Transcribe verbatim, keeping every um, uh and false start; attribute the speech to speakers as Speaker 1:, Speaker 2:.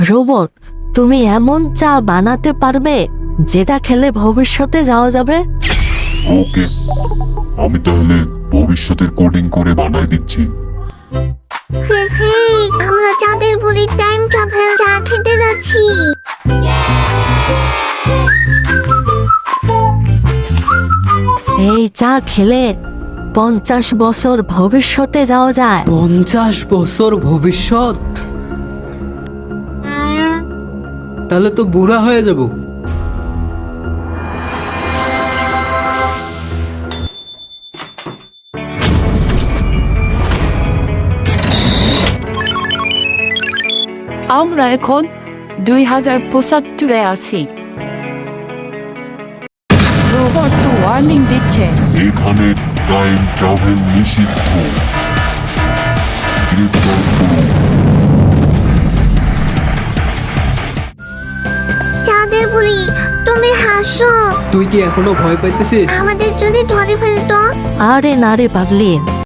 Speaker 1: Robot, তুমি এমন চা বানাতে পারবে যেটা খেলে ভবিষ্যতে যাওয়া যাবে?
Speaker 2: ওকে, আমি তাহলে ভবিষ্যতের কোডিং করে বানাই দিচ্ছি।
Speaker 3: হে হে, আমরা চাঁদের বুড়ির টাইম ট্রাভেল চা খেতে যাচ্ছি।
Speaker 1: এই চা খেলে পঞ্চাশ বছর ভবিষ্যতে যাওয়া যায়।
Speaker 4: পঞ্চাশ বছর ভবিষ্যৎ? তাহলে তো বুড়া হয়ে যাব।
Speaker 5: আমরা এখন দুই হাজার পঁচাত্তরে আছি। রোবট তো ওয়ার্নিং দিচ্ছে।
Speaker 2: এখানে টাইম ট্রাভেল নিষিদ্ধ। গ্রেফতার করুন।
Speaker 3: চাঁদের বুড়ি, তুমি হাসো।
Speaker 4: তুই কি এখনো ভয় পাইতেছিস?
Speaker 3: আমাদের যদি ধরে ফেলতো?
Speaker 1: আরে না রে পাগলি,